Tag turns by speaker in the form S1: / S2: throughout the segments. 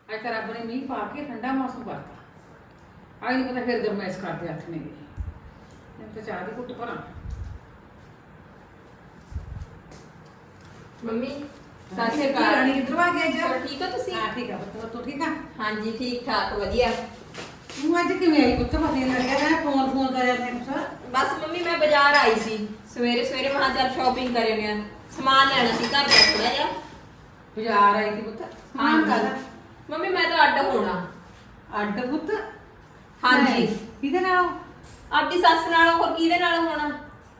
S1: ਅੱਜ ਤਾਂ ਰੱਬ ਨੇ ਮੀਂਹ ਪਾ ਕੇ ਠੰਡਾ ਮੌਸਮ ਕਰਤਾ। ਆਈ ਨਹੀਂ ਪਤਾ ਫਿਰ ਗਰਮੈਸ਼ ਕਰਦੇ ਅੱਠ ਨੇ ਮੈਂ ਤਾਂ ਚਾਹ ਦੀ ਘੁੱਟ ਭਰਾਂ।
S2: ਮੰਮੀ
S1: ਸਤਿ ਸ਼੍ਰੀ ਅਕਾਲ। ਰਾਣੀ ਕਿੱਧਰੋਂ ਆ ਗਿਆ ਜੀ?
S2: ਹੋਰ ਠੀਕ ਹੋ ਤੁਸੀਂ?
S1: ਹਾਂ ਠੀਕ ਆ ਪੁੱਤ, ਤੂੰ ਠੀਕ ਆ?
S2: ਹਾਂਜੀ ਠੀਕ ਠਾਕ ਵਧੀਆ।
S1: ਤੂੰ ਅੱਜ ਕਿਵੇਂ ਆਈ ਪੁੱਤ? ਪਤਾ ਨਹੀਂ ਲੱਗਿਆ, ਮੈਂ ਫੋਨ ਕਰਿਆ ਤੈਨੂੰ ਸਰ।
S2: ਬਸ ਮੰਮੀ ਮੈਂ ਬਾਜ਼ਾਰ ਆਈ ਸੀ ਸਵੇਰੇ ਸਵੇਰੇ, ਮੈਂ ਚੱਲ ਸ਼ਾਪਿੰਗ ਕਰ ਆਉਂਦੇ ਆ, ਸਮਾਨ ਲੈਣਾ ਸੀ ਘਰ ਦਾ ਥੋੜਾ ਜਿਹਾ।
S1: ਬਾਜ਼ਾਰ ਆਈ ਸੀ ਪੁੱਤ? ਹਾਂ ਕਾਹਦਾ?
S2: ਮੰਮੀ ਮੈਂ ਤਾਂ ਅੱਡ ਹੋਣਾ।
S1: ਅੱਡ ਪੁੱਤ?
S2: ਹਾਂਜੀ।
S1: ਕਿਹਦੇ ਨਾਲ?
S2: ਆਪਣੀ ਸੱਸ ਨਾਲ, ਹੋਰ ਕਿਹਦੇ ਨਾਲ ਹੋਣਾ?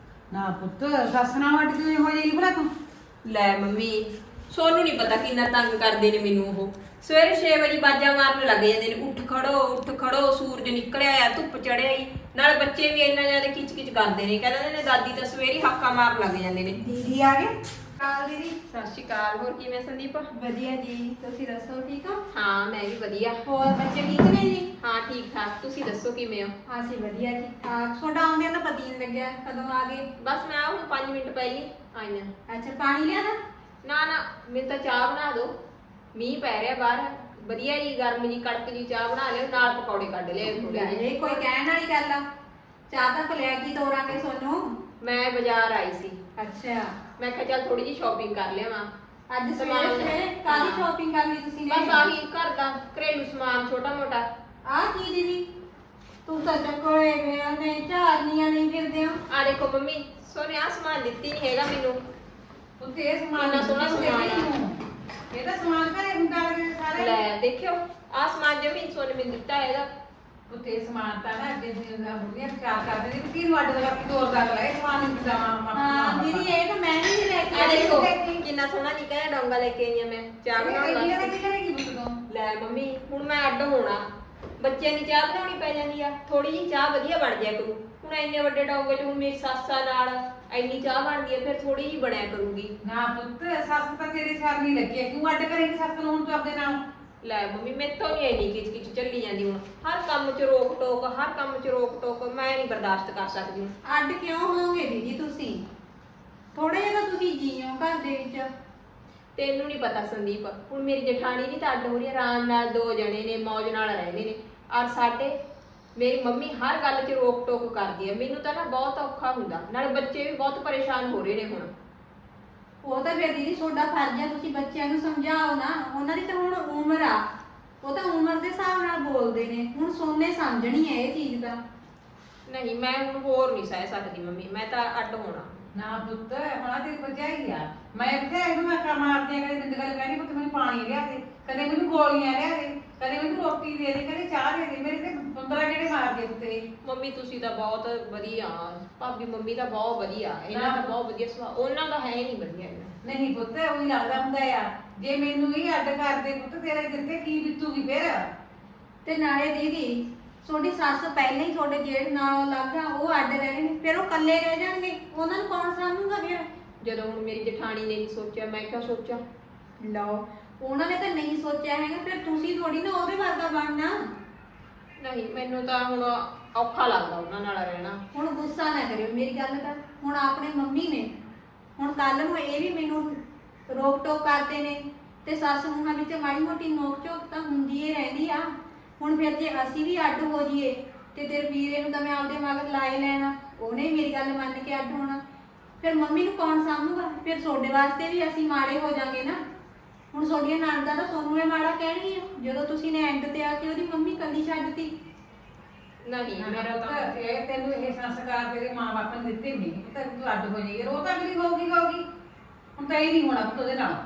S1: ਨਾ ਪੁੱਤ, ਸੱਸ ਨਾਲ ਅੱਡ ਕਿਵੇਂ ਹੋ ਜਾਏਗੀ ਭਲਾ ਤੂੰ?
S2: ਲੈ ਮੰਮੀ ਸੋਨੂੰ ਨਹੀਂ ਪਤਾ ਕਿੰਨਾ ਤੰਗ ਕਰਦੇ ਨੇ ਮੈਨੂੰ ਉਹ। ਸਵੇਰੇ 6 ਵਜੇ ਬਾਜਾਂ ਮਾਰਨ ਲੱਗ ਜਾਂਦੇ ਨੇ, ਉੱਠ ਖੜੋ, ਸੂਰਜ ਨਿਕਲਿਆ ਆ, ਧੁੱਪ ਚੜਿਆ ਹੀ। ਨਾਲ ਬੱਚੇ ਵੀ ਇੰਨਾ ਜ਼ਿਆਦਾ ਕਿਚ ਕਿਚ ਕਰਦੇ ਨੇ, ਕਹਿੰਦੇ ਨੇ ਦਾਦੀ ਤਾਂ ਸਵੇਰੇ ਹੀ ਹਾਕਾ ਮਾਰਨ ਲੱਗ ਜਾਂਦੇ ਨੇ।
S3: ਦੀਦੀ ਆ ਗਏ? ਕਾਲ ਦੀਦੀ।
S2: ਸਤਿ ਸ਼੍ਰੀ ਅਕਾਲ। ਹੋਰ ਕਿਵੇਂ ਸੰਦੀਪ?
S3: ਵਧੀਆ ਜੀ, ਤੁਸੀਂ ਦੱਸੋ ਠੀਕ ਹੋ?
S2: ਹਾਂ ਮੈਂ ਵੀ ਵਧੀਆ।
S3: ਹੋਰ ਬੱਚੇ ਠੀਕ ਨੇ ਜੀ?
S2: ਹਾਂ ਠੀਕ ਠਾਕ, ਤੁਸੀਂ ਦੱਸੋ ਕਿਵੇਂ ਹੋ?
S3: ਅਸੀਂ ਵਧੀਆ ਠੀਕ ਠਾਕ। ਤੁਹਾਡਾ ਆਉਂਦਿਆਂ ਤਾਂ ਪਤਾ ਹੀ ਨਹੀਂ ਲੱਗਿਆ ਕਦੋਂ ਆ ਗਏ।
S2: ਬਸ ਮੈਂ ਹੁਣ 5 ਮਿੰਟ ਪਹਿਲੀ ਆਈ ਹਾਂ।
S3: ਅੱਛਾ ਪਾਣੀ ਲਿਆਦਾ?
S2: ਨਾ ਮੈਨੂੰ ਤਾਂ ਚਾਹ ਬਣਾ ਦਿਓ, ਮੀਂਹ ਪੈ ਰਿਹਾ ਬਾਹਰ, ਵਧੀਆ ਜੀ ਗਰਮ ਜੀ ਕੜਕ ਜੀ ਚਾਹ ਬਣਾ ਲਿਓ, ਨਾਲ ਪਕੌੜੇ ਕੱਢ ਲਿਓ ਥੋੜੇ ਜਿਹੇ।
S3: ਇਹ ਕੋਈ ਕਹਿਣ ਵਾਲੀ ਗੱਲ ਆ? ਚਾਹ ਤਾਂ ਲੈ ਕੇ ਤੋਰਾਂਗੇ ਸੋਨੂੰ।
S2: ਮੈਂ ਬਾਜ਼ਾਰ ਆਈ ਸੀ,
S3: ਅੱਛਾ
S2: ਮੈਂ ਕਿਹਾ ਚੱਲ ਥੋੜੀ ਜਿਹੀ ਸ਼ਾਪਿੰਗ ਕਰ ਲਿਆਵਾਂ।
S3: ਅੱਜ ਸਵੇਰੇ ਕਾਹਦੀ ਸ਼ਾਪਿੰਗ ਕਰ ਲਈ ਤੁਸੀਂ ਨੇ?
S2: ਬਸ ਆਹੀ ਘਰ ਦਾ ਘਰੇਲੂ ਸਮਾਨ ਛੋਟਾ ਮੋਟਾ।
S3: ਆ ਕੀ ਦੀਦੀ, ਤੂੰ ਤਾਂ ਚੱਕੋਏ ਵੇ ਨੇ ਝਾੜਨੀਆਂ ਨਹੀਂ ਫਿਰਦੇ ਹੋ।
S2: ਆ ਦੇਖੋ ਮੰਮੀ, ਸੋਨੇ ਆ ਸਮਾਨ ਦਿੱਤੀ ਨਹੀਂ ਹੈਗਾ ਮੈਨੂੰ।
S1: ਉੱਥੇ ਇਹ ਸਮਾਨ
S2: ਕਿੰਨਾ ਸੋਹਣਾ ਸਮਾਨ ਆ।
S1: ਇਹਦਾ ਸਮਾਨ ਘਰੇ ਹੁੰਦਾ ਲੱਗੇ ਸਾਰੇ।
S2: ਲੈ ਦੇਖਿਓ ਆ ਸਮਾਨ ਜਮੀਨ ਸੋਨੇ ਮੈਨੂੰ ਦਿੱਤਾ ਹੈਗਾ।
S1: ਉੱਥੇ ਸਮਾਨ ਤਾਂ ਨਾ ਅੱਗੇ ਦੀਆਂ ਬੁੜੀਆਂ ਵਿਚਾਰ ਕਰਦੇ ਨੇ ਕਿ ਕਿਹਨੂੰ ਅੱਡ ਲਗਾ ਕੇ ਤੋਰ ਕਰ ਲੈ ਸਮਾਨ ਨਹੀਂ ਦਿੰਦਾ।
S3: ਹਾਂ ਦੀਦੀ ਇਹ ਤਾਂ ਮੈਂ ਨਹੀਂ ਲੈ ਕੇ
S2: ਆ ਦੇਖੋ
S3: ਆਈ।
S2: ਕਿੰਨਾ ਸੋਹਣਾ ਨਿੱਕਾ ਜਿਹਾ ਡੋਂਗਾ ਲੈ ਕੇ ਆਈ ਆ ਮੈਂ ਚਾਹ ਬਣਾਉਣ
S1: ਇਹ
S2: ਵਾਸਤੇ।
S1: ਕੀ ਕਰੇਗੀ ਪੁੱਤ ਤੂੰ?
S2: ਲੈ ਮੰਮੀ ਹੁਣ ਮੈਂ ਅੱਡ ਹੋਣਾ, ਬੱਚਿਆਂ ਦੀ ਚਾਹ ਬਣਾਉਣੀ ਪੈ ਜਾਂਦੀ ਆ, ਥੋੜੀ ਜਿਹੀ ਚਾਹ ਵਧੀਆ ਬਣ ਜਾਇਆ ਕਰੂ। ਹੁਣ ਇੰਨੇ ਵੱਡੇ ਡੋਂਗੇ 'ਚ ਹੁਣ ਮੇਰੀ ਸੱਸਾਂ ਨਾਲ ਇੰਨੀ ਚਾਹ ਬਣਦੀ ਆ, ਫਿਰ ਥੋੜੀ ਜਿਹੀ ਬਣਿਆ ਕਰੂਗੀ।
S1: ਨਾ ਪੁੱਤ, ਸੱਸ ਤਾਂ ਤੇਰੇ ਸਾਥ ਨਹੀਂ ਲੱਗੀ ਹੈ, ਕਿਉਂ ਅੱਡ ਕਰੇਗੀ ਸੱਸ ਨੂੰ ਹੁਣ ਤੂੰ ਆਪਦੇ ਨਾਲ?
S2: ਲੈ ਮੰਮੀ ਮੈਥੋਂ ਨਹੀਂ ਇੰਨੀ ਕਿਚ ਕਿਚ ਚੱਲੀ ਜਾਂਦੀ, ਹੁਣ ਹਰ ਕੰਮ 'ਚ ਰੋਕ ਟੋਕ, ਹਰ ਕੰਮ 'ਚ ਰੋਕ ਟੋਕ ਮੈਂ ਨਹੀਂ ਬਰਦਾਸ਼ਤ ਕਰ ਸਕਦੀ ਹੁਣ।
S3: ਅੱਡ ਕਿਉਂ ਹੋਵੋਗੇ ਦੀਦੀ ਤੁਸੀਂ? ਥੋੜੇ ਜਿਹਾ ਤਾਂ ਤੁਸੀਂ ਜੀਓ ਘਰ ਦੇ ਵਿੱਚ।
S2: ਤੈਨੂੰ ਨਹੀਂ ਪਤਾ ਸੰਦੀਪ, ਹੁਣ ਮੇਰੀ ਜਠਾਣੀ ਨਹੀਂ ਤਾਂ ਅੱਡ ਹੋ ਰਹੀ, ਆਰਾਮ ਨਾਲ 2 ਜਣੇ ਨੇ, ਮੌਜ ਨਾਲ ਰਹਿੰਦੇ ਨੇ। ਔਰ ਸਾਡੇ ਮੇਰੀ ਮੰਮੀ ਹਰ ਗੱਲ 'ਚ ਰੋਕ ਟੋਕ ਕਰਦੀ ਹੈ, ਮੈਨੂੰ ਤਾਂ ਨਾ ਬਹੁਤ ਔਖਾ ਹੁੰਦਾ, ਨਾਲੇ ਬੱਚੇ ਵੀ ਬਹੁਤ ਪਰੇਸ਼ਾਨ ਹੋ ਰਹੇ ਨੇ ਹੁਣ।
S3: ਉਹ ਤਾਂ ਫਿਰ ਦੀਦੀ ਤੁਹਾਡਾ ਫਰਜ਼ ਹੈ, ਤੁਸੀਂ ਬੱਚਿਆਂ ਨੂੰ ਸਮਝਾਓ ਨਾ। ਉਹਨਾਂ ਦੀ ਤਾਂ ਹੁਣ ਉਮਰ ਆ, ਉਹ ਤਾਂ ਉਮਰ ਦੇ ਹਿਸਾਬ ਨਾਲ ਬੋਲਦੇ ਨੇ। ਹੁਣ ਸੋਨੇ ਸਮਝਣੀ ਹੈ ਇਹ ਚੀਜ਼ ਦਾ।
S2: ਨਹੀਂ ਮੈਂ ਹੁਣ ਹੋਰ ਨਹੀਂ ਸਹਿ ਸਕਦੀ ਮੰਮੀ, ਮੈਂ ਤਾਂ ਅੱਡ ਹੋਣਾ।
S1: ਨਾ ਪੁੱਤ, ਹੁਣ ਆ ਤੇਰੀ ਭਰਜਾਈ ਆ, ਮੈਂ ਕਿਹਾ ਇਹਨੂੰ ਮੈਂ ਕਾ ਮਾਰਦੀ ਆ, ਕਦੇ ਬਿੰਦ ਗੱਲ ਕਹਿੰਦੀ ਪੁੱਤ ਮੈਨੂੰ ਪਾਣੀ ਲਿਆ ਦੇ, ਕਦੇ ਮੈਨੂੰ ਗੋਲੀਆਂ ਲਿਆ ਦੇ, ਕਦੇ ਮੈਨੂੰ ਰੋਟੀ ਦੇ ਦੇ, ਕਦੇ ਚਾਹ ਦੇ ਦੇ, ਮੇਰੇ ਤੇ 15 ਕਿਹੜੇ ਮਾਰਦੇ ਉੱਤੇ।
S2: ਮੰਮੀ ਤੁਸੀਂ ਤਾਂ ਬਹੁਤ ਵਧੀਆ, ਭਾਬੀ ਮੰਮੀ ਤਾਂ ਬਹੁਤ ਵਧੀਆ, ਇਹਨਾਂ ਦਾ ਬਹੁਤ ਵਧੀਆ ਸੁਭਾਅ, ਉਹਨਾਂ ਦਾ ਹੈ ਹੀ ਨਹੀਂ ਵਧੀਆ ਇਹਨਾਂ।
S1: ਨਹੀਂ ਪੁੱਤ, ਉਹੀ ਲੱਗਦਾ ਹੁੰਦਾ ਆ, ਜੇ ਮੈਨੂੰ ਹੀ ਅੱਡ ਕਰਦੇ ਪੁੱਤ ਤੇਰੇ ਦਿਲ ਤੇ ਕੀ ਬੀਤੂਗੀ ਫਿਰ?
S3: ਤੇ ਨਾਲੇ ਦੀਦੀ ਤੁਹਾਡੀ ਸੱਸ ਪਹਿਲਾਂ ਹੀ ਤੁਹਾਡੇ ਜੇਠ ਨਾਲੋਂ ਅਲੱਗ ਆ, ਉਹ ਅੱਡ ਰਹਿ ਰਹੇ ਨੇ, ਫਿਰ ਉਹ ਇਕੱਲੇ ਰਹਿ ਜਾਣਗੇ, ਉਹਨਾਂ ਨੂੰ ਕੌਣ ਸਾਂਭੂਗਾ ਫਿਰ?
S2: ਜਦੋਂ ਹੁਣ ਮੇਰੀ ਜਠਾਣੀ ਨੇ ਨਹੀਂ ਸੋਚਿਆ, ਮੈਂ ਕਿਉਂ ਸੋਚਾਂ?
S3: ਲਓ, ਉਹਨਾਂ ਨੇ ਤਾਂ ਨਹੀਂ ਸੋਚਿਆ ਹੈਗਾ, ਫਿਰ ਤੁਸੀਂ ਥੋੜੀ ਨਾ ਉਹਦੇ ਵਰਗਾ ਬਣਨਾ।
S2: ਨਹੀਂ ਮੈਨੂੰ ਤਾਂ ਹੁਣ ਔਖਾ ਲੱਗਦਾ ਉਹਨਾਂ ਨਾਲ ਰਹਿਣਾ।
S3: ਹੁਣ ਗੁੱਸਾ ਨਾ ਕਰਿਓ ਮੇਰੀ ਗੱਲ ਦਾ। ਹੁਣ ਆਪਣੇ ਮੰਮੀ ਨੇ, ਹੁਣ ਕੱਲ ਨੂੰ ਇਹ ਵੀ ਮੈਨੂੰ ਰੋਕ ਟੋਕ ਕਰਦੇ ਨੇ, ਤੇ ਸੱਸ ਨੂੰਹਾਂ ਵਿੱਚ ਮਾੜੀ ਮੋਟੀ ਨੋਕ ਝੋਕ ਤਾਂ ਹੁੰਦੀ ਏ ਰਹਿੰਦੀ ਆ। ਹੁਣ ਫਿਰ ਜੇ ਅਸੀਂ ਵੀ ਅੱਡ ਹੋ ਜਾਈਏ ਤੇ ਤੇਰੇ ਵੀਰੇ ਨੂੰ ਤਾਂ ਮੈਂ ਆਪਦੇ ਮਗਰ ਲਾਏ ਲੈਣਾ, ਉਹਨੇ ਮੇਰੀ ਗੱਲ ਮੰਨ ਕੇ ਅੱਡ ਹੋਣਾ, ਫਿਰ ਮੰਮੀ ਨੂੰ ਕੌਣ ਸਾਂਭੂਗਾ? ਫਿਰ ਤੁਹਾਡੇ ਵਾਸਤੇ ਵੀ ਅਸੀਂ ਮਾੜੇ ਹੋ ਜਾਾਂਗੇ ਨਾ। ਹੁਣ ਤੁਹਾਡੀਆਂ ਨਣਦਾਂ ਤਾਂ ਤੁਹਾਨੂੰ ਇਹ ਮਾੜਾ ਕਹਿਣਗੀਆਂ ਜਦੋਂ ਤੁਸੀਂ ਨੇ ਐਂਡ ਤੇ ਆ ਕੇ ਉਹਦੀ ਮੰਮੀ ਕੱਲੀ ਛੱਡਤੀ।
S2: ਨਹੀਂ ਮੇਰਾ ਤਾਂ
S1: ਪੁੱਤ, ਇਹ ਤੈਨੂੰ ਇਹ ਸੰਸਕਾਰ ਤੇਰੇ ਮਾਂ-ਬਾਪ ਨੇ ਦਿੱਤੇ ਨਹੀਂ, ਪੁੱਤ ਤੂੰ ਅੱਡ ਹੋ ਜਾਏਗੀ, ਉਹ ਤਾਂ ਅਗਲੀ ਹੋਊਗੀ। ਹੁਣ ਤਾਂ ਇਹ ਨਹੀਂ ਹੋਣਾ ਪੁੱਤ ਉਹਦੇ ਨਾਲ।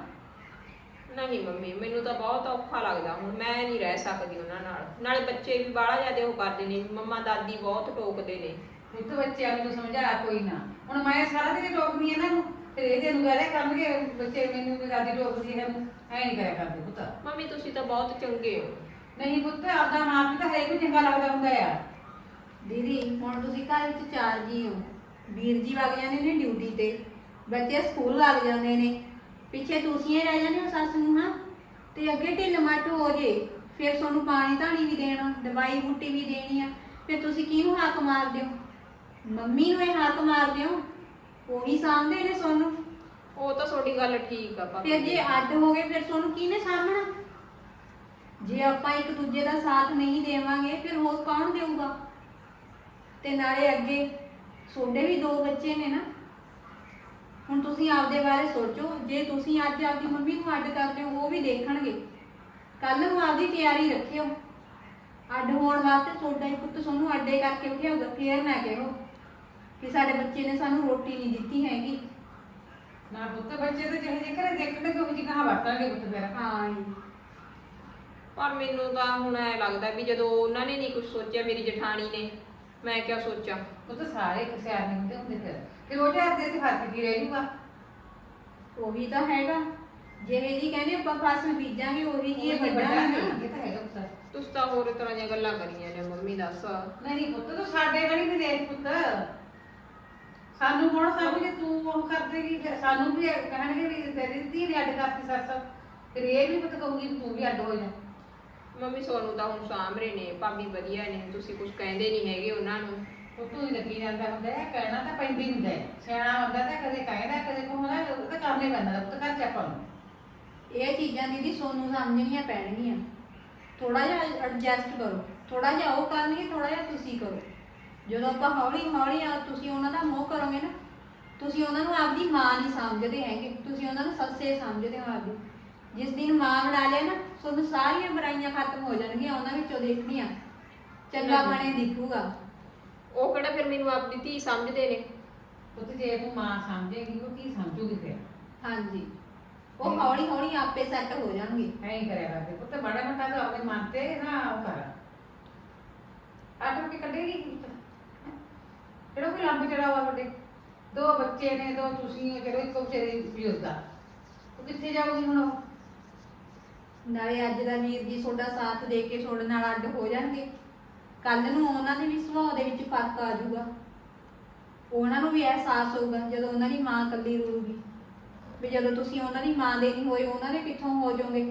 S2: ਨਹੀਂ ਮੰਮੀ ਮੈਨੂੰ ਤਾਂ ਬਹੁਤ ਔਖਾ ਲੱਗਦਾ, ਹੁਣ ਮੈਂ ਨਹੀਂ ਰਹਿ ਸਕਦੀ ਉਹਨਾਂ ਨਾਲ। ਨਾਲੇ ਬੱਚੇ ਵੀ ਬਾਹਲਾ ਜ਼ਿਆਦਾ ਉਹ ਕਰਦੇ ਨੇ, ਮੰਮਾ ਦਾਦੀ ਬਹੁਤ ਟੋਕਦੇ ਨੇ।
S1: ਪੁੱਤ ਬੱਚਿਆਂ ਨੂੰ ਸਮਝਾ ਕੋਈ ਨਾ, ਹੁਣ ਮੈਂ ਸਾਰਾ ਦਿਨ ਟੋਕਦੀ ਇਹਨਾਂ ਨੂੰ, ਫਿਰ ਇਹਦੇ ਨੂੰ ਕਹਿ ਕਰਨਗੇ ਬੱਚੇ ਮੈਨੂੰ ਵੀ ਦਾਦੀ ਟੋਕਦੀ ਹੈ, ਐ ਨਹੀਂ ਕਰਿਆ ਕਰਦੇ ਪੁੱਤ।
S2: ਮੰਮੀ ਤੁਸੀਂ ਤਾਂ ਬਹੁਤ ਚੰਗੇ ਹੋ।
S1: ਨਹੀਂ ਪੁੱਤ, ਆਪਦਾ ਮਾਂ ਪਿਓ ਤਾਂ ਹੈ ਕੋਈ ਚੰਗਾ ਲੱਗਦਾ ਹੁੰਦਾ ਆ।
S3: ਦੀਦੀ ਹੁਣ ਤੁਸੀਂ ਘਰ ਵਿੱਚ 4 ਜੀ ਹੋ, ਵੀਰ ਜੀ ਵਗ ਜਾਂਦੇ ਨੇ ਡਿਊਟੀ ਤੇ, ਬੱਚੇ ਸਕੂਲ ਲੱਗ ਜਾਂਦੇ ਨੇ, ਪਿੱਛੇ ਤੁਸੀਂ ਹੀ ਰਹਿ ਜਾਂਦੇ ਹੋ ਸੱਸ ਨੂੰ। ਹਾਂ ਤੇ ਅੱਗੇ ਢਿੱਲ ਮੱਠ ਹੋ ਜੇ, ਫਿਰ ਤੁਹਾਨੂੰ ਪਾਣੀ ਧਾਣੀ ਵੀ ਦੇਣਾ, ਦਵਾਈ ਬੂਟੀ ਵੀ ਦੇਣੀ ਆ, ਫਿਰ ਤੁਸੀਂ ਕਿਹਨੂੰ ਹੱਕ ਮਾਰਦੇ ਹੋ? ਮੰਮੀ ਨੂੰ ਇਹ ਹੱਕ ਮਾਰਦੇ ਹੋ, ਉਹੀ ਸਾਂਭਦੇ ਨੇ ਤੁਹਾਨੂੰ।
S2: ਉਹ ਤਾਂ ਤੁਹਾਡੀ ਗੱਲ ਠੀਕ ਆ ਭਾਬੀ।
S3: ਫਿਰ ਜੇ ਅੱਡ ਹੋ ਗਏ ਫਿਰ ਤੁਹਾਨੂੰ ਕਿਹਨੇ ਸਾਂਭਣਾ? ਜੇ ਆਪਾਂ ਇੱਕ ਦੂਜੇ ਦਾ ਸਾਥ ਨਹੀਂ ਦੇਵਾਂਗੇ ਫਿਰ ਹੋਰ ਕੌਣ ਦੇਊਗਾ। ਤੇ ਨਾਲੇ ਅੱਗੇ ਤੁਹਾਡੇ ਵੀ 2 ਬੱਚੇ ਨੇ ਨਾ, ਹੁਣ ਤੁਸੀਂ ਆਪਦੇ ਬਾਰੇ ਸੋਚੋ। ਜੇ ਤੁਸੀਂ ਅੱਜ ਆਪਦੀ ਮੰਮੀ ਨੂੰ ਅੱਡ ਕਰਦੇ ਹੋ ਉਹ ਵੀ ਦੇਖਣਗੇ। ਕੱਲ ਨੂੰ ਆਪਦੀ ਤਿਆਰੀ ਰੱਖਿਓ, ਅੱਡ ਹੋਣ ਵਾਸਤੇ ਤੁਹਾਡਾ ਹੀ ਪੁੱਤ ਤੁਹਾਨੂੰ ਅੱਡੇ ਕਰਕੇ ਉਠਿਆਊਗਾ। ਫੇਰ ਨਾ ਕਹੋ ਕਿ ਸਾਡੇ ਬੱਚੇ ਨੇ ਸਾਨੂੰ ਰੋਟੀ ਨਹੀਂ ਦਿੱਤੀ ਹੈਗੀ।
S1: ਨਾ ਪੁੱਤ ਬੱਚੇ ਤਾਂ ਜਿਹੇ ਜਿਹੇ ਘਰੇ ਦੇਖਣਗੇ ਉਹ ਜਿਹੀ ਕਹਾਂ ਵਰਤਾਂਗੇ ਪੁੱਤ ਫਿਰ।
S3: ਹਾਂ ਜੀ।
S2: ਪਰ ਮੈਨੂੰ ਤਾਂ ਹੁਣ ਐ ਲੱਗਦਾ ਵੀ ਜਦੋਂ ਉਹਨਾਂ ਨੇ ਨਹੀਂ ਕੁਝ ਸੋਚਿਆ, ਮੇਰੀ ਜਠਾਣੀ ਨੇ, ਮੈਂ ਕਿਆ ਸੋਚਾਂ।
S1: ਉਹ ਤਾਂ ਸਾਰੇ ਇੱਕ ਸਿਆਰ ਨਹੀਂ ਹੁੰਦੇ ਹੁੰਦੇ ਫਿਰ ਉਹ ਜਿਹੇ ਦੇ ਤੇ ਫਰਕ ਕੀ ਰਹਿ ਜੂਗਾ।
S3: ਉਹੀ ਤਾਂ ਹੈਗਾ, ਜਿਹੇ ਜੀ ਕਹਿੰਦੇ ਆਪਾਂ ਫਸਲ ਬੀਜਾਂਗੇ ਉਹੀ ਜੀ
S1: ਇਹ
S3: ਵੱਢਾਂਗੇ।
S1: ਇਹ ਤਾਂ ਹੈਗਾ ਪੁੱਤ।
S2: ਤੁਸੀਂ ਤਾਂ ਹੋਰ ਤਰ੍ਹਾਂ ਦੀਆਂ ਗੱਲਾਂ ਕਰੀਆਂ ਨੇ ਮੰਮੀ, ਦੱਸ।
S1: ਨਹੀਂ ਪੁੱਤ ਤੂੰ ਸਾਡੇ ਵਾਲੀ ਵੀ ਦੇਖ ਪੁੱਤ, ਸਾਨੂੰ ਹੁਣ ਸਭ ਜੇ ਤੂੰ ਉਹ ਕਰ ਦੇਗੀ ਫਿਰ ਸਾਨੂੰ ਵੀ ਕਹਿਣਗੇ ਵੀ ਤੇਰੀ ਧੀ ਨੇ ਅੱਡ ਕਰਤੀ ਸੱਸ, ਫਿਰ ਇਹ ਵੀ ਪੁੱਤ ਕਹੂਗੀ ਵੀ ਤੂੰ ਵੀ ਅੱਡ ਹੋ ਜਾ।
S2: ਮੰਮੀ ਸੋਨੂੰ ਤਾਂ ਹੁਣ ਸਾਂਭਰੇ ਨੇ, ਭਾਬੀ ਵਧੀਆ ਨੇ, ਤੁਸੀਂ ਕੁਝ ਕਹਿੰਦੇ ਨਹੀਂ ਹੈਗੇ ਉਹਨਾਂ ਨੂੰ।
S1: ਉਹ ਤੂੰ ਹੀ ਲੱਗੀ ਜਾਂਦਾ ਹੁੰਦਾ ਹੈ, ਕਹਿਣਾ ਤਾਂ ਪੈਂਦਾ ਹੀ ਹੁੰਦਾ ਹੈ। ਸਿਆਣਾ ਹੁੰਦਾ ਤਾਂ ਕਦੇ ਕਹਿੰਦਾ ਕਦੇ ਕੋਹਣਾ, ਉਹ ਤਾਂ ਕਰਨੇ ਪੈਂਦਾ ਪੁੱਤ ਘਰ ਚ ਆਪਾਂ ਨੂੰ।
S3: ਇਹ ਚੀਜ਼ਾਂ ਦੀਦੀ ਸੋਨੂੰ ਸਮਝਣੀਆਂ ਪੈਣਗੀਆਂ। ਥੋੜਾ ਜਿਹਾ ਐਡਜਸਟ ਕਰੋ, ਥੋੜਾ ਜਿਹਾ ਉਹ ਕਰਨਗੇ, ਥੋੜਾ ਜਿਹਾ ਤੁਸੀਂ ਕਰੋ। ਜਦੋਂ ਆਪਾਂ ਹੌਲੀ ਹੌਲੀ ਤੁਸੀਂ ਉਹਨਾਂ ਦਾ ਮੋਹ ਕਰੋਗੇ ਨਾ, ਤੁਸੀਂ ਉਹਨਾਂ ਨੂੰ ਆਪਦੀ ਮਾਂ ਨਹੀਂ ਸਮਝਦੇ ਹੈਗੇ, ਤੁਸੀਂ ਉਹਨਾਂ ਨੂੰ ਸੱਸੇ ਸਮਝਦੇ ਹੋ ਆਪਦੀ। ਜਿਸ ਦਿਨ ਮਾਂ ਬਣਾ ਲਿਆ ਨਾ, ਤੁਹਾਨੂੰ ਸਾਰੀਆਂ ਬੁਰਾਈਆਂ ਖਤਮ ਹੋ ਜਾਣਗੀਆਂ, ਉਹਨਾਂ ਵਿੱਚੋਂ ਦੇਖਣੀਆਂ ਚੰਗਾ ਬਣੇ ਦਿਖੂਗਾ।
S2: ਉਹ ਕਿਹੜਾ ਫਿਰ ਮੈਨੂੰ ਆਪਣੀ ਧੀ ਸਮਝਦੇ ਨੇ।
S1: ਪੁੱਤ ਜੇ ਤੂੰ ਮਾਂ ਸਮਝੇਗੀ ਉਹ ਕੀ ਸਮਝੂਗੀ ਫਿਰ।
S3: ਹਾਂਜੀ, ਉਹ ਹੌਲੀ ਹੌਲੀ ਆਪੇ ਸੈੱਟ ਹੋ ਜਾਣਗੇ।
S1: ਐਂ ਹੀ ਕਰਿਆ ਕਰਦੇ ਪੁੱਤ, ਬੜਾ ਮੋਟਾ ਤਾਂ ਆਪਣੇ ਮਨ ਤੇ ਨਾ ਉਹ ਕਰ ਆਟੋ ਕੇ ਕੱਢੇਗੀ ਪੁੱਤ। ਕਿਹੜਾ ਕੋਈ ਲੰਬ ਚੜਾ ਵਾ ਤੁਹਾਡੇ 2 ਬੱਚੇ ਨੇ, 2 ਤੁਸੀਂ ਹੋ, ਚਲੋ ਇੱਕੋ ਵਿਚਾਰੇ ਬਜ਼ੁਰਗ ਆ, ਉਹ ਕਿੱਥੇ ਜਾਊਗੀ ਹੁਣ ਉਹ।
S3: ਨਾਲੇ ਅੱਜ ਦਾ ਵੀਰ ਜੀ ਤੁਹਾਡਾ ਸਾਥ ਦੇ ਕੇ ਤੁਹਾਡੇ ਨਾਲ ਅੱਡ ਹੋ ਜਾਣਗੇ, ਕੱਲ ਨੂੰ ਉਹਨਾਂ ਦੇ ਵੀ ਸੁਭਾਅ ਦੇ ਵਿੱਚ ਫਰਕ ਆ ਜਾਊਗਾ। ਉਹਨਾਂ ਨੂੰ ਵੀ ਅਹਿਸਾਸ ਹੋਊਗਾ ਜਦੋਂ ਉਹਨਾਂ ਦੀ ਮਾਂ ਇਕੱਲੀ ਰਹੂਗੀ, ਵੀ ਜਦੋਂ ਤੁਸੀਂ ਉਹਨਾਂ ਦੀ ਮਾਂ ਦੇ ਨਹੀਂ ਹੋਏ ਉਹਨਾਂ ਦੇ ਕਿੱਥੋਂ ਹੋ ਜਾਓਗੇ।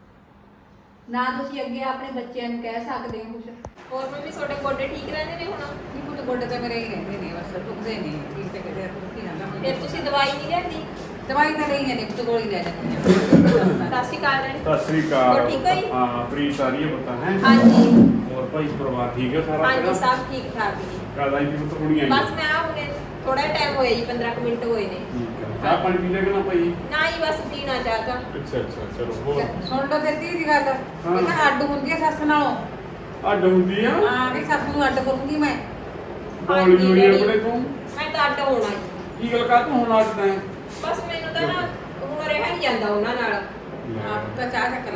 S3: ਨਾ ਤੁਸੀਂ ਅੱਗੇ ਆਪਣੇ ਬੱਚਿਆਂ ਨੂੰ ਕਹਿ ਸਕਦੇ ਹੋ ਕੁਛ।
S2: ਹੋਰ ਮੰਮੀ ਤੁਹਾਡੇ ਗੋਡੇ ਠੀਕ ਰਹਿੰਦੇ ਨੇ ਹੁਣ?
S1: ਨਹੀਂ ਪੁੱਤ ਗੋਡੇ ਤਾਂ ਮੇਰੇ ਹੀ ਰਹਿੰਦੇ ਨੇ, ਬਸ ਦੁਖਦੇ ਨੇ, ਠੀਕ ਤੇ ਕਿਤੇ ਦੁਖੀ ਜਾਂਦਾ ਹੁਣ।
S2: ਫਿਰ ਤੁਸੀਂ ਦਵਾਈ ਨਹੀਂ ਲੈਂਦੀ?
S1: ਦਵਾਈ ਤਾਂ ਲਈ ਜਾਂਦੀ ਪੁੱਤ, ਗੋਲੀ ਲੈ ਜਾਂਦੀ ਆ।
S2: ਸਤਿ ਸ਼੍ਰੀ ਅਕਾਲ ਜੀ।
S4: ਸਤਿ ਸ੍ਰੀ ਅਕਾਲ।
S2: ਹੋਰ ਠੀਕ ਹੋ ਜੀ?
S4: ਹਾਂ, ਪ੍ਰੀਤ ਆ ਰਹੀ ਹੈ ਪਤਾ ਹੈ।
S2: ਹਾਂਜੀ
S4: ਹੋਰ ਭਾਈ ਪਰਿਵਾਰ ਠੀਕ ਹੈ ਸਾਰਾ?
S2: ਹਾਂਜੀ, ਸਭ ਠੀਕ ਠਾਕ ਜੀ।
S4: ਕਾਦਾ ਹੀ ਪੁੱਤ ਕੁੜੀਆਂ
S2: ਬਸ ਮੈਂ ਆ ਹੁਣੇ ਥੋੜਾ ਟਾਈਮ ਹੋਇਆ ਜੀ, 15 ਕੁ ਮਿੰਟ ਹੋਏ ਨੇ।
S4: ਠੀਕ ਹੈ। ਚਾਹ ਪਾਣੀ ਪੀ ਲੈ ਕਿ ਨਾ ਭਾਈ?
S2: ਨਾ ਹੀ ਬਸ ਪੀਣਾ ਚਾਹਤਾ।
S4: ਅੱਛਾ ਅੱਛਾ, ਚਲੋ ਹੋਰ।
S1: ਸੁਣ ਲਓ ਤੇ ਧੀ ਦੀ ਗੱਲ, ਇਹ ਤਾਂ ਅੱਡ ਹੁੰਦੀ ਹੈ ਸੱਸ ਨਾਲੋਂ।
S4: ਅੱਡ ਹੁੰਦੀ ਆ?
S1: ਹਾਂ ਵੀ ਸੱਸ ਨੂੰ ਅੱਡ ਕਰੂੰਗੀ ਮੈਂ।
S4: ਬੋਲੀ ਹੋਈ ਆਪਣੇ ਤੂੰ
S2: ਮੈਂ ਤਾਂ ਅੱਡ ਹੋਣਾ ਜੀ।
S4: ਕੀ ਗੱਲ ਕਰ ਤੂੰ ਹੁਣ ਅੱਡਦਾ ਹੈ?
S2: ਬਸ ਮੈਨੂੰ ਤਾਂ ਨਾ ਹੁਣ ਰਿਹਾ ਨਹੀਂ ਜਾਂਦਾ ਉਹਨਾਂ ਨਾਲ।
S1: ਆਪ ਤਾਂ ਚਾਹ ਚੱਕ ਲਾ।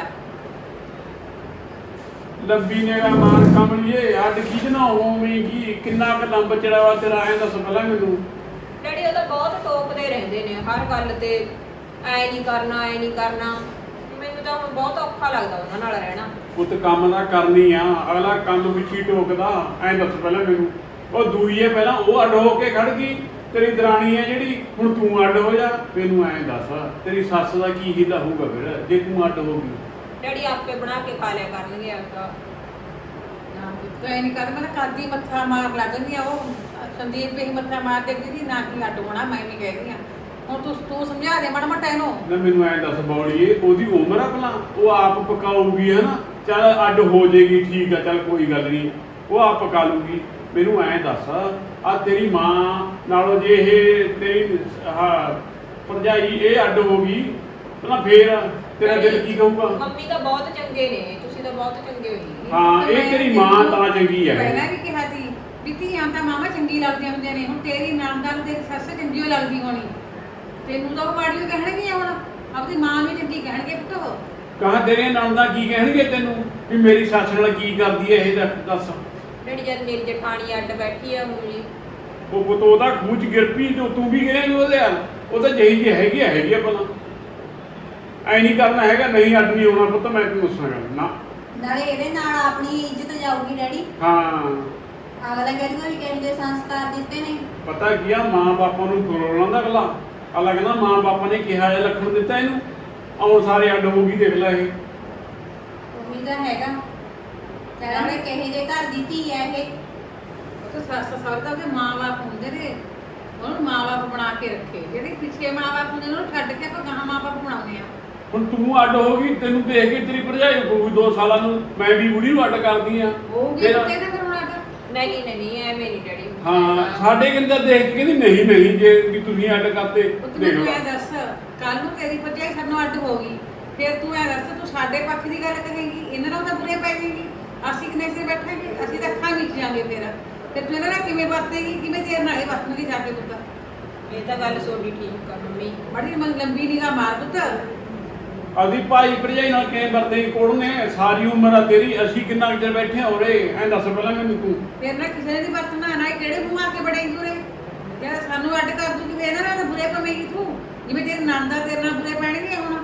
S4: ਲੰਬੀ ਨੇੜਾ ਮਾਰ ਕਮਲੀਏ, ਅੱਡ ਖਿੱਚਣਾ ਹੋਵੇਂਗੀ। ਕਿੰਨਾ ਕੁ ਲੰਬ ਚੜਾਵਾ ਤੇਰਾ ਐਂ ਦੱਸ ਪਹਿਲਾਂ ਮੈਨੂੰ।
S2: ਡੈਡੀ ਉਹ ਤਾਂ ਬਹੁਤ ਟੋਕਦੇ ਰਹਿੰਦੇ ਨੇ ਹਰ ਗੱਲ ਤੇ, ਐ ਨਹੀਂ ਕਰਨਾ ਐ ਨਹੀਂ ਕਰਨਾ। ਮੈਨੂੰ ਤਾਂ ਹੁਣ ਬਹੁਤ ਔਖਾ ਲੱਗਦਾ ਉਹਨਾਂ ਨਾਲ ਰਹਿਣਾ।
S4: ਪੁੱਤ ਕੰਮ ਦਾ ਕਰਨੀ ਆ, ਅਗਲਾ ਕੰਮ ਵਿੱਚ ਹੀ ਟੋਕਦਾ। ਐਂ ਦੱਸ ਪਹਿਲਾਂ ਮੈਨੂੰ। ਉਹ ਦੂਈ ਹੈ ਪਹਿਲਾਂ, ਉਹ ਅੱਡ ਹੋ ਕੇ ਖੜ ਗਈ। ਤੇਰੀ ਦਰਾਣੀ ਹੈ ਜਿਹੜੀ, ਹੁਣ ਤੂੰ ਅੱਡ ਹੋ ਜਾ। ਮੈਨੂੰ ਐਂ ਦੱਸ ਤੇਰੀ ਸੱਸ ਦਾ ਕੀ ਹੀਲਾ ਹੋਊਗਾ ਫਿਰ ਜੇ ਤੂੰ ਅੱਡ ਹੋ ਗਈ?
S2: ਡੈਡੀ ਆਪੇ ਬਣਾ ਕੇ ਖਾ ਲਿਆ ਕਰਨਗੇ ਆਪਦਾ।
S1: ਨਾ ਪੁੱਤ ਐ ਨਹੀਂ ਕਰ, ਮੈਂ ਤਾਂ ਕਰਦੀ ਮੱਥਾ ਮਾਰ ਲੱਗਦੀ ਆ। ਉਹ ਸੰਦੀਪ ਵੀ ਮੱਥਾ ਮਾਰ ਦੇ ਕਿ ਨਾ ਕੀ ਅੱਡ ਹੋਣਾ, ਮੈਂ ਵੀ ਕਹਿ ਰਹੀ ਆ। ਹੁਣ ਤੂੰ ਸਮਝਾ ਦੇ ਮਾੜਾ ਮੋਟਾ ਇਹਨੂੰ।
S4: ਨਾ ਮੈਨੂੰ ਐਂ ਦੱਸ ਬੌਲੀਏ, ਉਹਦੀ ਉਮਰ ਆ ਭਲਾ? ਉਹ ਆਪ ਪਕਾਊਗੀ ਹੈ ਨਾ। ਚੱਲ ਅੱਡ ਹੋ ਜਾਏਗੀ, ਠੀਕ ਆ, ਚੱਲ ਕੋਈ ਗੱਲ ਨਹੀਂ, ਉਹ ਆਪ ਪਕਾ ਲੂਗੀ। ਮੈਨੂੰ ਐਂ ਦੱਸ ਆ ਤੇਰੀ ਮਾਂ ਨਾਲੋਂ ਜੇ ਇਹ ਤੇਰੀ ਭਰਜਾਈ ਇਹ ਅੱਡ ਹੋ ਗਈ ਤਾਂ ਫੇਰ ਤੇਰਾ ਦਿਲ ਕੀ ਕਹੂਗਾ?
S2: ਮੰਮੀ ਤਾਂ ਬਹੁਤ ਚੰਗੇ ਨੇ, ਤੁਸੀਂ ਤਾਂ ਬਹੁਤ ਚੰਗੇ ਹੋ ਜੀ।
S4: ਹਾਂ, ਇਹ ਤੇਰੀ ਮਾਂ ਤਾਂ ਚੰਗੀ ਹੈ।
S1: ਪਹਿਲਾਂ ਵੀ ਕਿਹਾ ਸੀ ਵੀ ਧੀਆਂ ਤਾਂ ਮਾਮਾ ਚੰਗੀ ਲੱਗਦੀਆਂ ਹੁੰਦੀਆਂ ਨੇ। ਹੁਣ ਤੇਰੀ ਨਾਮਦਾਰ ਤੇਰੀ ਸੱਸ ਚੰਗੀ ਓ ਲੱਗਦੀ ਹੋਣੀ, ਤੈਨੂੰ ਤਾਂ ਉਹ ਮਾੜੀ ਓ ਕਹਿਣਗੇ। ਹੁਣ ਆਪਣੀ ਮਾਂ ਨੂੰ ਚੰਗੀ ਕਹਿਣਗੇ ਪੁੱਤ। ਉਹ
S4: ਕਹਾਂ ਤੇਰੇ ਨਾਲ ਦਾ ਕੀ ਕਹਿਣਗੇ ਤੈਨੂੰ ਵੀ ਮੇਰੀ ਸੱਸ ਨਾਲ ਕੀ ਕਰਦੀ ਹੈ ਇਹ ਦੱਸ।
S2: ਡੈਡੀ ਜਦ ਮੇਰੀ ਜਠਾਣੀ ਅੱਡ ਬੈਠੀ ਆ ਹੁਣ ਜੀ,
S4: ਉਹ ਪੁੱਤ ਉਹਦਾ ਖੂਚ ਗਿਰਪੀ ਜੋ ਤੂੰ ਵੀ ਗਿਰੇਂਗੀ ਉਹਦੇ ਨਾਲ। ਉਹ ਤਾਂ ਜਿਹੀ ਜਿਹੀ ਹੈਗੀ ਆ ਭਲਾ। ਐ ਨਹੀਂ ਕਰਨਾ ਹੈਗਾ, ਨਹੀਂ ਅੱਡ ਨਹੀਂ ਹੋਣਾ ਪੁੱਤ, ਮੈਂ ਤੈਨੂੰ ਦੱਸਾਂਗਾ ਨਾ।
S3: ਨਾਲੇ ਇਹਦੇ ਨਾਲ ਆਪਣੀ ਇੱਜ਼ਤ ਜਾਊਗੀ ਡੈਡੀ।
S4: ਹਾਂ,
S3: ਅਗਲਾ ਕਹਿੰਦਾ ਵੀ ਕਿਹੋ ਜਿਹੇ ਸੰਸਕਾਰ ਦਿੱਤੇ ਨੇ।
S4: ਪਤਾ ਕੀ ਆ, ਮਾਂ ਬਾਪਾਂ ਨੂੰ ਤੋੜਨਾ ਦਾ ਅਗਲਾ। ਅਗਲਾ ਕਹਿੰਦਾ ਮਾਂ ਬਾਪਾਂ ਨੇ ਕਿਹਾ ਜਿਹਾ ਲੱਖਣ ਦਿੱਤਾ ਇਹਨੂੰ, ਆਉਣ ਸਾਰੇ ਅੱਡ ਹੋ ਗਈ। ਦੇਖ ਲੈ ਇਹ
S3: ਉਹੀ ਤਾਂ ਹੈਗਾ, ਕਹਿੰਦੇ ਕਿਹੋ ਜਿਹੇ ਘਰ ਦੀ ਧੀ ਹੈ ਇਹ।
S1: ਤਾਂ ਸੱਸ ਸਹੁਰੇ ਦਾ ਉਹਦੇ ਮਾਂ-ਬਾਪ ਹੁੰਦੇ ਨੇ, ਉਹਨੂੰ ਮਾਂ-ਬਾਪ ਬਣਾ ਕੇ ਰੱਖੇ। ਜਿਹੜੇ ਪਿੱਛੇ ਮਾਂ-ਬਾਪ ਹੁੰਦੇ ਨੇ ਉਹਨੂੰ ਛੱਡ ਕੇ ਆਪਾਂ ਗਾਹਾਂ ਮਾਂ-ਬਾਪ ਬਣਾਉਂਦੇ ਆ।
S4: ਹੁਣ ਤੂੰ ਅੱਡ ਹੋ ਗਈ, ਤੈਨੂੰ ਦੇਖ ਕੇ ਤੇਰੀ ਭਰਜਾਈ ਹੋਊਗੀ 2 ਸਾਲਾਂ ਨੂੰ, ਮੈਂ ਵੀ ਬੁੜੀ ਨੂੰ ਅੱਡ ਕਰਦੀ ਆ
S1: ਹੋਊਗੀ ਪੁੱਤੇ ਨਾ ਫਿਰ ਹੁਣ ਅੱਡ।
S2: ਨਹੀਂ ਨਹੀਂ ਐਵੇਂ ਨਹੀਂ ਡੈਡੀ।
S4: ਹਾਂ ਸਾਡੇ ਕਿੰਦਾ ਦੇਖ ਕੇ ਕਹਿੰਦੀ ਨਹੀਂ ਜੇ ਵੀ ਤੁਸੀਂ ਅੱਡ ਕਰਤੇ
S1: ਪੁੱਤ
S4: ਦੇਖ
S1: ਮੈਨੂੰ
S4: ਲਾ।
S1: ਇਹ ਦੱਸ, ਕੱਲ ਨੂੰ ਤੇਰੀ ਭਰਜਾਈ ਸਾਨੂੰ ਅੱਡ ਹੋ ਗਈ, ਫਿਰ ਤੂੰ ਇਹ ਦੱਸ ਤੂੰ ਸਾਡੇ ਪੱਖ ਦੀ ਗੱਲ ਕਹੇਂਗੀ, ਇਹਨਾਂ ਨਾਲ ਤਾਂ ਬੁਰੇ ਪੈ ਜਾਏਗੀ। ਅਸੀਂ ਕਿੰਨੇ ਸਿਰ ਬੈਠਾਂਗੇ, ਅਸੀਂ ਤਾਂ ਅੱਖਾਂ ਵਿੱਚ ਜਾਵਾਂਗੇ। ਫਿਰ ਤੂੰ ਇਹਨਾਂ ਨਾਲ ਕਿਵੇਂ ਵਰਤੇਗੀ, ਕਿਵੇਂ ਤੇਰੇ ਨਾਲ ਇਹ ਵਰਤਣਗੇ ਜਾ ਕੇ ਪੁੱਤ।
S2: ਇਹ ਤਾਂ ਗੱਲ ਤੁਹਾਡੀ ਠੀਕ ਆ ਮੰਮੀ।
S1: ਬੜੀ ਲੰਬੀ ਨਿਗਾਹ ਮਾਰ ਪੁੱਤ।
S4: ਆਦੀ ਭਾਈ ਭਰਜਾਈ ਨਾਲ ਕਿਵੇਂ ਵਰਤੇ ਕੋੜ ਨੇ, ਸਾਰੀ ਉਮਰ ਆ ਤੇਰੀ, ਅਸੀਂ ਕਿੰਨਾ ਕੁ ਚਿਰ ਬੈਠੇ ਹੋ ਰੇ, ਐਂ ਦੱਸ ਪਹਿਲਾਂ ਮੈਨੂੰ ਤੂੰ।
S1: ਫਿਰ ਨਾ ਕਿਸੇ ਨੇ ਦੀ ਵਰਤਣਾ ਨਾ, ਕਿਹੜੇ ਮੂੰਹ ਆ ਕੇ ਬੜੇਗੀ ਉਰੇ, ਜਿਹੜਾ ਸਾਨੂੰ ਅੱਡ ਕਰ ਦੂਗੀ, ਇਹਨਾਂ ਨਾਲ ਤਾਂ ਬੁਰੇ ਪਵੇਂਗੀ ਤੂੰ, ਜਿਵੇਂ ਤੇਰੇ ਨੰਦ ਆ ਤੇਰੇ ਨਾਲ ਬੁਰੇ ਪੈਣਗੇ ਹੁਣ।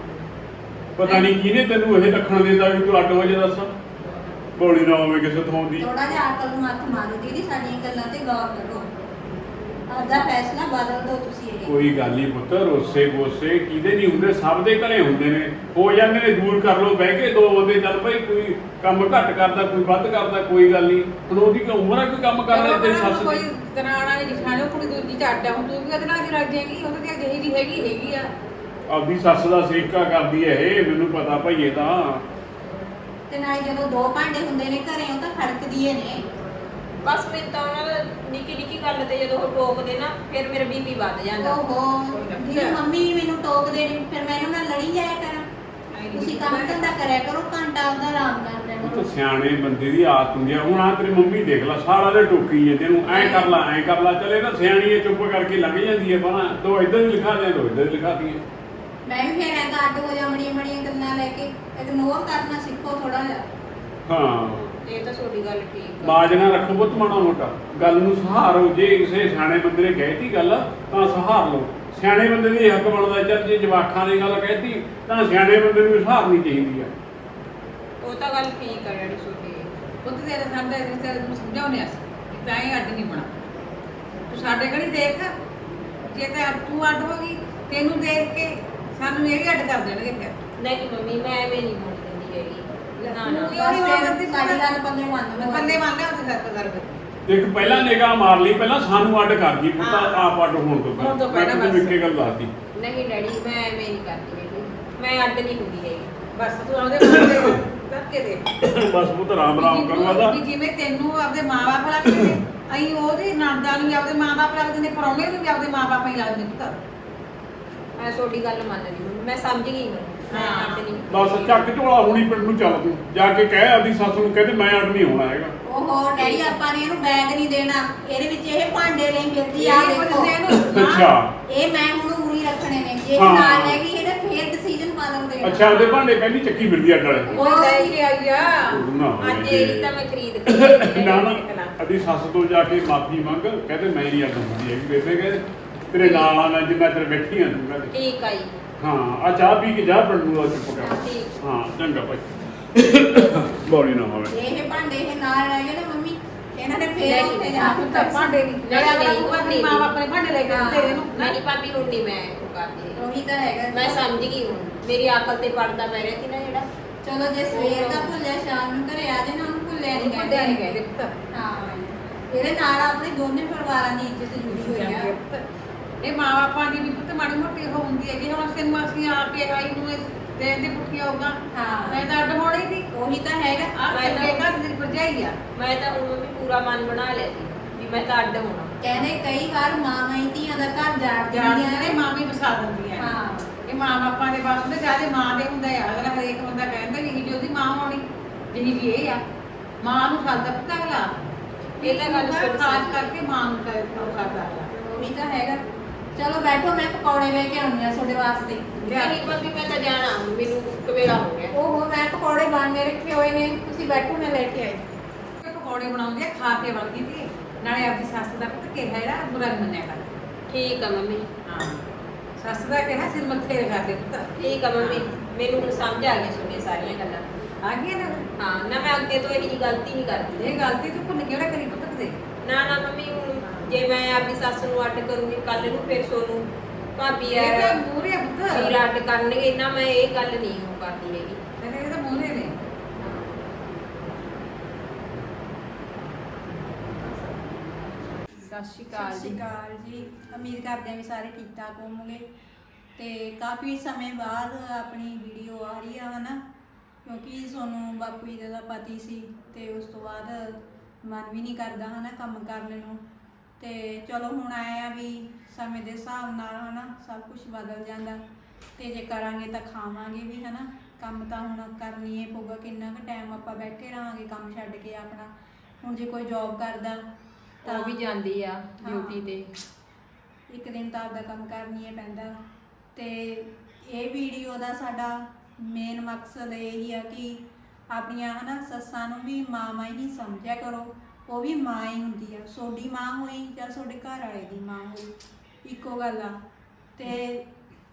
S4: ਪਤਾ ਨਹੀਂ ਕਿਹਨੇ ਤੈਨੂੰ ਇਹ ਲੱਖਣ ਦੇਤਾ ਵੀ ਤੂੰ ਅੱਡ ਹੋ ਜਾ, ਦੱਸ ਬੋਲੀ ਨਾ ਹੋਵੇ ਕਿਸੇ ਥਾਂ ਦੀ।
S3: ਥੋੜਾ ਜਿਹਾ ਅਕਲ ਨੂੰ ਹੱਥ ਮਾਰੋ ਦੀਦੀ, ਸਾਡੀਆਂ ਗੱਲਾਂ ਤੇ ਗੌਰ ਕਰੋ, ਆਪਦਾ ਫੈਸਲਾ ਬਦਲ ਦਿਓ ਤੁਸੀਂ। ਇਹ
S4: ਕੋਈ ਗੱਲ ਨਹੀਂ ਪੁੱਤ, ਰੋਸੇ ਗੋਸੇ ਕਿਹਦੇ ਨਹੀਂ ਹੁੰਦੇ, ਸਭ ਦੇ ਘਰੇ ਹੁੰਦੇ ਨੇ, ਹੋ ਜਾਂਦੇ ਨੇ, ਦੂਰ ਕਰ ਲੋ ਬਹਿ ਕੇ 2 ਬੰਦੇ, ਚੱਲ ਭਾਈ ਕੋਈ ਕੰਮ ਘੱਟ ਕਰਦਾ ਕੋਈ ਵੱਧ ਕਰਦਾ, ਕੋਈ ਗੱਲ ਨਹੀਂ। ਹੁਣ ਉਹਦੀ ਕੀ ਉਮਰ ਆ ਕੋਈ ਕੰਮ ਕਰਦਾ ਤੇਰੀ ਸੱਸ
S1: ਕੋਈ
S4: ਦੀ?
S1: ਦਰਾਣਾ ਨਹੀਂ ਦਿਖਾਣੋ, ਕੁੜੀ ਦੂਜੀ ਚ ਅੱਡ ਆ, ਹੁਣ ਤੂੰ ਵੀ ਉਹਦੇ ਨਾਲ ਦੀ ਰਲ ਜਾਏਗੀ, ਉਹ ਤਾਂ ਜਿਹੀ ਜੀ ਹੈਗੀ ਆ।
S4: ਆਪਦੀ ਸੱਸ ਦਾ ਸੇਕਾ ਕਰਦੀ ਹੈ ਇਹ, ਮੈਨੂੰ ਪਤਾ ਭਈਏ ਤਾਂ।
S3: ਤੇ ਨਾਲ ਜਦੋਂ 2 ਭਾਂਡੇ ਹੁੰਦੇ ਨੇ ਘਰੇ, ਉਹ ਤਾਂ ਖੜਕਦੀ ਏ ਨੇ।
S2: ਬਸ ਮੈਂ ਤਾਂ ਉਹਨਾਂ ਦਾ ਨਿੱਕੀ ਗੱਲ ਤੇ ਜਦੋਂ ਉਹ ਟੋਕਦੇ ਨਾ, ਫਿਰ ਮੇਰਾ ਬੀਪੀ ਵੱਧ ਜਾਂਦਾ।
S3: ਓਹੋ ਜੀ, ਮੰਮੀ ਮੈਨੂੰ ਟੋਕਦੇ ਨੇ, ਫਿਰ ਮੈਂ ਇਹਨਾਂ ਨਾਲ ਲੜੀ ਜਾਇਆ ਕਰਾਂ। ਤੁਸੀਂ ਕੰਮ ਧੰਦਾ ਕਰਿਆ ਕਰੋ, ਘੰਟਾ ਆਪਦਾ ਆਰਾਮ ਕਰ ਲਿਆ
S4: ਉਹ ਤਾਂ
S3: ਕਰੋ।
S4: ਸਿਆਣੇ ਬੰਦੇ ਦੀ ਆਦਤ ਹੁੰਦੀ ਆ। ਹੁਣ ਆ ਤੇਰੀ ਮੰਮੀ ਦੇਖ ਲੈ, ਸਾਰਾ ਦਿਨ ਟੋਕੀ ਜਾਂਦੇ ਨੂੰ, ਐਂ ਕਰ ਲਾ, ਚਲੇ ਨਾ ਸਿਆਣੀ ਹੈ, ਚੁੱਪ ਕਰਕੇ ਲੰਘ ਜਾਂਦੀ ਹੈ ਬਣਾ, ਦੋ ਇੱਧਰ ਹੀ ਲਿਖਾ ਦਿਆਂ, ਦੋ ਇੱਧਰ ਹੀ ਲਿਖਾ ਦੀਆਂ।
S3: ਮੈਂ ਵੀ ਫਿਰ ਐਂ ਤਾਂ ਅੱਡ ਹੋ ਜਾ, ਮੜੀਆਂ ਗੱਲਾਂ ਲੈ ਕੇ ਇਗਨੋਰ ਕਰਨਾ ਸਿੱਖੋ ਥੋੜਾ ਜਿਹਾ।
S4: ਹਾਂ
S2: ਇਹ ਤਾਂ ਤੁਹਾਡੀ ਗੱਲ ਠੀਕ ਆ।
S4: ਬਾਜ ਨਾ ਰੱਖੋ ਬਹੁਤ ਮਾੜਾ ਮੋਟਾ, ਗੱਲ ਨੂੰ ਸਹਾਰੋ। ਜੇ ਕਿਸੇ ਸਿਆਣੇ ਬੰਦੇ ਨੇ ਕਹਿਤੀ ਗੱਲ ਤਾਂ ਸਹਾਰ ਲਓ। ਸਿਆਣੇ ਬੰਦੇ ਦੀ ਹੱਕ ਬਣਦਾ, ਚੱਲ ਜੇ ਜਵਾਖਾਂ ਨੇ ਗੱਲ ਕਹਿਤੀ ਤਾਂ ਸਿਆਣੇ ਬੰਦੇ ਨੂੰ ਸਹਾਰਨੀ ਚਾਹੀਦੀ ਆ।
S2: ਉਹ ਤਾਂ ਗੱਲ ਠੀਕ ਆ ਡੈਡੀ ਤੁਹਾਡੀ।
S1: ਪੁੱਤ ਤੇਰੇ ਸਾਹਮਣੇ ਰਿਸ਼ਤੇ ਨੂੰ ਸਮਝਾਉਣੇ ਅਸੀਂ ਕਿ ਤਾਂ ਹੀ ਅੱਡ ਨਹੀਂ ਬਣਾ। ਤੂੰ ਸਾਡੇ ਘੜੀ ਦੇਖ, ਜੇ ਤਾਂ ਤੂੰ ਅੱਡ ਹੋ ਗਈ, ਤੈਨੂੰ ਦੇਖ ਕੇ ਸਾਨੂੰ ਇਹ ਵੀ ਅੱਡ ਕਰ ਦੇਣਗੇ ਫਿਰ।
S2: ਨਹੀਂ ਮੰਮੀ, ਮੈਂ ਐਵੇਂ ਨਹੀਂ ਹੋਣ ਦਿੰਦੀ ਹੈਗੀ। ਨਾ ਨਾ
S1: ਤੂੰ ਕਿਉਂ ਨਹੀਂ ਹੋਣ ਦਿੰਦੀ?
S3: ਸਾਡੀ ਗੱਲ ਪੱਲੇ ਮੰਨ ਲਓ।
S1: ਪੱਲੇ ਮੰਨ ਲਿਆ ਉਹਦੇ ਸਰ ਕਰ ਫਿਰ।
S4: ਦੇਖ ਪਹਿਲਾਂ ਨਿਗਾਹ ਮਾਰ ਲਈ, ਪਹਿਲਾਂ ਸਾਨੂੰ ਅੱਡ ਕਰ ਗਈ ਪੁੱਤ, ਆਪ ਅੱਡ ਹੋਣ ਤੋਂ
S1: ਹੋਣ ਤੋਂ
S4: ਮੈਂ
S1: ਪਹਿਲਾਂ
S4: ਤੈਨੂੰ
S1: ਬਸ।
S4: ਇੱਕੇ ਗੱਲ ਦੱਸਦੀ।
S2: ਨਹੀਂ ਡੈਡੀ, ਮੈਂ ਐਵੇਂ ਨਹੀਂ ਕਰਦੀ ਹੈਗੀ, ਮੈਂ ਅੱਡ ਨਹੀਂ ਹੁੰਦੀ ਹੈਗੀ।
S1: ਬਸ ਤੂੰ ਆਪਦੇ ਮਨ ਦੇ ਕਰਕੇ ਦੇ।
S4: ਬਸ ਪੁੱਤ ਰਾਮ ਕਰਵਾ ਦਾ।
S1: ਵੀ ਜਿਵੇਂ ਤੈਨੂੰ ਆਪਦੇ ਮਾਂ-ਬਾਪ ਲੱਗਦੇ ਨੇ, ਅਸੀਂ ਉਹਦੇ ਨਣਦਾਂ ਨੂੰ ਵੀ ਆਪਦੇ ਮਾਂ-ਬਾਪ ਲੱਗਦੇ ਨੇ, ਪਰੌਣੇ ਨੂੰ ਵੀ ਆਪਦੇ ਮਾਂ-ਬਾਪ ਹੀ ਲੱਗਦੇ ਨੇ ਪੁੱਤ।
S2: ਮੈਂ ਤੁਹਾਡੀ ਗੱਲ ਮੰਨਦੀ ਹਾਂ, ਮੈਂ ਸਮਝ ਗਈ ਹੁਣ। ਮੈਂ ਅੱਡ ਨਹੀਂ।
S4: ਬਸ ਚੱਕ ਝੋਲਾ ਹੁਣੀ ਪਿੰਡ ਨੂੰ ਚੱਲ, ਤੂੰ ਜਾ ਕੇ ਕਹਿ ਆਪਦੀ ਸੱਸ ਨੂੰ, ਕਹਿੰਦੇ ਮੈਂ ਅੱਡ ਨਹੀਂ ਹੋਣਾ ਹੈਗਾ।
S3: ਓਹੋ ਡੈਡੀ, ਆਪਾਂ ਨੇ ਇਹਨੂੰ ਬੈਗ ਨਹੀਂ ਦੇਣਾ, ਇਹਦੇ ਵਿੱਚ ਇਹ ਭਾਂਡੇ ਲਈ ਫਿਰਦੀ ਆ,
S1: ਇਹ ਕੁਝ
S3: ਦੇਖੋ
S1: ਦੇਣ।
S4: ਅੱਛਾ
S3: ਇਹ ਮੈਂ ਹੁਣ ਉਰੀ ਰੱਖਣੇ ਨੇ, ਜੇ ਇਹ
S4: ਹਾਂ।
S3: ਨਾਲ ਲੈ ਗਈ ਇਹਦੇ ਫੇਰ ਡਿਸੀਜਨ ਪਾ ਲਉਂਦੇ।
S4: ਅੱਛਾ, ਉਹਦੇ ਭਾਂਡੇ ਕਹਿੰਦੀ ਚੱਕੀ ਫਿਰਦੀ ਅੱਡ ਵਾਲੇ।
S1: ਉਹ ਲੈ ਕੇ ਆਈ ਆ।
S4: ਨਾ
S2: ਅੱਜ ਇਹਦੀ ਤਾਂ ਮੈਂ ਖਰੀਦ ਕੇ
S4: ਨਾ ਨਾ ਅਦੀ ਸੱਸ ਤੋਂ ਜਾ ਕੇ ਮਾਫੀ ਮੰਗ, ਕਹਿੰਦੇ ਮੈਂ ਨਹੀਂ ਅੱਡ ਹੁੰਦੀ ਹੈਗੀ ਬੇਬੇ, ਕਹਿੰਦੇ ਤੇਰੇ ਨਾਲ ਆ ਮੈਂ ਜਿੰਨਾ ਚਿਰ ਬੈਠੀ ਆਂ ਤੂੰ ਕਹਿੰਦੇ।
S2: ਠੀਕ ਆ ਜੀ।
S4: ਹਾਂ ਆ ਚਾਹ ਪੀ ਕੇ ਜਾ ਪਿੰਡ ਨੂੰ ਚੁੱਪ ਕਰ।
S2: ਠੀਕ।
S4: ਹਾਂ ਚੰਗਾ ਭਾਈ, ਬੋਲੀ ਨਾ ਹੋਵੇ।
S3: ਇਹ ਭਾਂਡੇ ਇਹ ਨਾਲ ਲੈ ਗਏ ਨਾ ਮੰਮੀ, ਇਹਨਾਂ ਨੇ ਫੇਰ ਉੱਥੇ ਜਾ ਕੇ
S1: ਤਾਂ ਭਾਂਡੇ ਨਹੀਂ
S2: ਨਹੀਂ,
S1: ਮਾਂ-ਬਾਪ ਨੇ ਭਾਂਡੇ ਲੈ ਕੇ ਦਿੱਤੇ ਇਹਨੂੰ।
S2: ਨਹੀਂ ਭਾਬੀ, ਹੁਣ ਨਹੀਂ ਮੈਂ ਉਹ ਕਰਦੀ ਹੈਗੀ।
S3: ਉਹੀ ਤਾਂ ਹੈਗਾ।
S2: ਮੈਂ ਸਮਝ ਗਈ ਹੁਣ, ਮੇਰੀ ਅਕਲ ਤੇ ਪੜਦਾ ਪੈ ਰਿਹਾ ਸੀ ਨਾ ਜਿਹੜਾ।
S3: ਚਲੋ ਜੇ ਸਵੇਰ ਦਾ ਭੁੱਲਿਆ ਸ਼ਾਮ ਨੂੰ ਘਰੇ ਆ ਜਾਏ ਨਾ, ਉਹਨੂੰ ਭੁੱਲਿਆ ਨਹੀਂ
S1: ਭਾਂਡੇ ਨਹੀਂ ਕਹਿੰਦੇ ਪੁੱਤ।
S3: ਹਾਂ, ਇਹਦੇ ਨਾਲ ਆਪਣੇ ਦੋਨੇ ਪਰਿਵਾਰਾਂ ਦੀ ਇੱਜ਼ਤ ਜੁੜੀ ਹੋਈ ਆ।
S1: ਇਹ ਮਾਂ-ਬਾਪਾਂ ਦੀ ਵੀ ਪੁੱਤ ਮਾੜੀ ਮੋਟੀ ਉਹ ਹੁੰਦੀ ਹੈ ਕਿ ਹੁਣ ਅਸੀਂ ਆ ਕੇ ਆਈ ਨੂੰ ਦੇ ਦੇ ਪੁੱਠੀਆਂ ਹੋਗਾ।
S3: ਹਾਂ।
S1: ਮੈਂ ਤਾਂ ਅੱਡ ਹੋਣੀ ਸੀ।
S3: ਉਹੀ ਤਾਂ ਹੈਗਾ।
S1: ਆ
S2: ਮੈਂ
S1: ਕੇ
S2: ਤਾਂ-
S1: ਘਰ ਦੀ ਭਰਜਾਈ ਆ।
S2: ਮੈਂ ਤਾਂ ਹੁਣ ਵੀ ਪੂਰਾ ਮਨ ਬਣਾ ਲਿਆ ਸੀ ਵੀ ਮੈਂ ਤਾਂ ਅੱਡ ਹੋਣਾ।
S3: ਕਹਿੰਦੇ ਕਈ ਵਾਰ ਮਾਵਾਂ ਹੀ ਧੀਆਂ ਦਾ ਘਰ ਜਾੜ
S1: ਜਾਣਦੀਆਂ
S3: ਦਿੰਦੀਆਂ
S1: ਨੇ,
S3: ਨੇ।
S1: ਮਾਂ ਵੀ ਵਸਾ ਦਿੰਦੀਆਂ ਨੇ।
S3: ਹਾਂ।
S1: ਇਹ ਮਾਂ-ਬਾਪਾਂ ਦੇ ਬਸ ਹੁੰਦੇ, ਜਿਆਦੇ ਮਾਂ ਦੇ ਹੁੰਦਾ ਆ। ਅਗਲਾ ਹਰੇਕ ਬੰਦਾ ਕਹਿੰਦਾ ਵੀ ਜੀ ਉਹਦੀ ਮਾਂ ਹੋਣੀ, ਜਿਹੀ ਵੀ ਇਹ ਆ। ਮਾਂ ਨੂੰ ਸਾਦਾ ਪੁੱਤ ਅਗਲਾ।
S2: ਇਹ ਤਾਂ ਗੱਲ ਸਹੀ
S1: ਖਾਸ ਕਰਕੇ ਮਾਂ ਨੂੰ ਕਰਦਾ ਅਗਲਾ।
S3: ਉਹੀ ਤਾਂ ਹੈਗਾ। ਚਲੋ ਬੈਠੋ, ਮੈਂ ਪਕੌੜੇ ਲੈ ਕੇ ਆਉਣੀ ਆ ਤੁਹਾਡੇ ਵਾਸਤੇ।
S2: ਨਹੀਂ ਭਾਬੀ, ਮੈਂ ਤਾਂ ਜਾਣਾ, ਮੈਨੂੰ ਕਵੇਲਾ ਹੋ ਗਿਆ।
S3: ਓਹੋ, ਮੈਂ ਪਕੌੜੇ ਬਣਨੇ ਰੱਖੇ ਹੋਏ ਨੇ, ਤੁਸੀਂ ਬੈਠੋ, ਮੈਂ ਲੈ ਕੇ ਆਈ।
S1: ਇਹ ਪਕੌੜੇ ਬਣਾਉਂਦੀ ਆ, ਖਾ ਕੇ ਵਰਦੀ ਤੇ ਨਾਲੇ ਆਪਦੀ ਸੱਸ ਦਾ ਪੁੱਤ ਕਿਹਾ ਜਿਹੜਾ ਬੁਰਾ ਨੀ ਮੰਨਿਆ ਕਰ।
S2: ਠੀਕ ਆ ਮੰਮੀ।
S1: ਹਾਂ, ਸੱਸ ਦਾ ਕਿਹਾ ਸਿਰ ਮੱਥੇ ਰਖਾ ਦੇ ਪੁੱਤ।
S2: ਠੀਕ ਆ ਮੰਮੀ, ਮੈਨੂੰ ਹੁਣ ਸਮਝ ਆ ਗਈਆਂ ਤੁਹਾਡੀਆਂ ਸਾਰੀਆਂ ਗੱਲਾਂ।
S1: ਆ ਗਈ ਨਾ।
S2: ਹਾਂ ਨਾ, ਮੈਂ ਅੱਗੇ ਤੋਂ ਇਹੀ ਜਿਹੀ ਗਲਤੀ ਨਹੀਂ ਕਰਦੀ।
S1: ਇਹ ਗਲਤੀ ਤੂੰ ਭੁੱਲ ਕਿਹੜਾ ਕਰੀ ਪੁੱਤ ਕਦੇ।
S2: ਨਾ ਨਾ ਮੰਮੀ, ਹੁਣ ਜੇ ਮੈਂ ਆਪਣੀ ਸੱਸ ਨੂੰ ਅੱਡ ਕਰੂੰਗੀ ਕੱਲ ਨੂੰ, ਫਿਰ ਸੋਨੂੰ ਭਾਬੀ
S1: ਇਹ ਤਾਂ
S2: ਯਾਰ
S1: ਮੂਹਰੇ ਆ ਪੁੱਤ।
S2: ਵੀਰ ਅੱਡ ਕਰਨਗੇ ਨਾ, ਮੈਂ ਇਹ ਗੱਲ ਨਹੀਂ ਉਹ ਕਰਦੀ ਹੈਗੀ।
S1: ਇਹ ਤਾਂ ਮੂਹਰੇ ਨੇ।
S2: ਸਤਿ ਸ਼੍ਰੀ ਅਕਾਲ
S3: ਸਤਿ ਸ਼੍ਰੀ
S2: ਜੀ।
S3: ਅਕਾਲ ਜੀ। ਉਮੀਦ ਕਰਦੇ ਹਾਂ ਵੀ ਸਾਰੇ ਠੀਕ ਠਾਕ ਹੋਵੋਗੇ। ਤੇ ਕਾਫੀ ਸਮੇਂ ਬਾਅਦ ਆਪਣੀ ਵੀਡੀਓ ਆ ਰਹੀ ਆ ਹਨਾ, ਕਿਉਂਕਿ ਸੋਨੂੰ ਬਾਪੂ ਜੀ ਦਾ ਪਤੀ ਸੀ ਤੇ ਉਸ ਤੋਂ ਬਾਅਦ ਮਨ ਵੀ ਨਹੀਂ ਕਰਦਾ ਹਨਾ ਕੰਮ ਕਰਨ ਨੂੰ। ਤੇ ਚਲੋ ਹੁਣ ਆਏ ਆ ਵੀ ਸਮੇਂ ਦੇ ਹਿਸਾਬ ਨਾਲ ਹਨਾ ਸਭ ਕੁਝ ਬਦਲ ਜਾਂਦਾ, ਤੇ ਜੇ ਕਰਾਂਗੇ ਤਾਂ ਖਾਵਾਂਗੇ ਵੀ ਹਨਾ। ਕੰਮ ਤਾਂ ਹੁਣ ਕਰਨੀ ਹੀ ਪਊਗਾ, ਕਿੰਨਾ ਕੁ ਟਾਈਮ ਆਪਾਂ ਬੈਠੇ ਰਹਾਂਗੇ ਕੰਮ ਛੱਡ ਕੇ ਆਪਣਾ। ਹੁਣ ਜੇ ਕੋਈ ਜੌਬ ਕਰਦਾ
S2: ਉਹ ਵੀ ਜਾਂਦੀ ਆ ਡਿਊਟੀ ਤੇ,
S3: ਇੱਕ ਦਿਨ ਤਾਂ ਆਪਦਾ ਕੰਮ ਕਰਨੀ ਹੀ ਪੈਂਦਾ। ਤੇ ਇਹ ਵੀਡੀਓ ਦਾ ਸਾਡਾ ਮੇਨ ਮਕਸਦ ਇਹ ਹੀ ਆ ਕਿ ਆਪਣੀਆਂ ਹਨਾ ਸੱਸਾਂ ਨੂੰ ਵੀ ਮਾਂ ਹੀ ਸਮਝਿਆ ਕਰੋ, ਉਹ ਵੀ ਮਾਂ ਹੀ ਹੁੰਦੀ ਆ। ਤੁਹਾਡੀ ਮਾਂ ਹੋਈ ਜਾਂ ਤੁਹਾਡੇ ਘਰ ਵਾਲੇ ਦੀ ਮਾਂ ਹੋਈ, ਇੱਕੋ ਗੱਲ ਆ। ਤੇ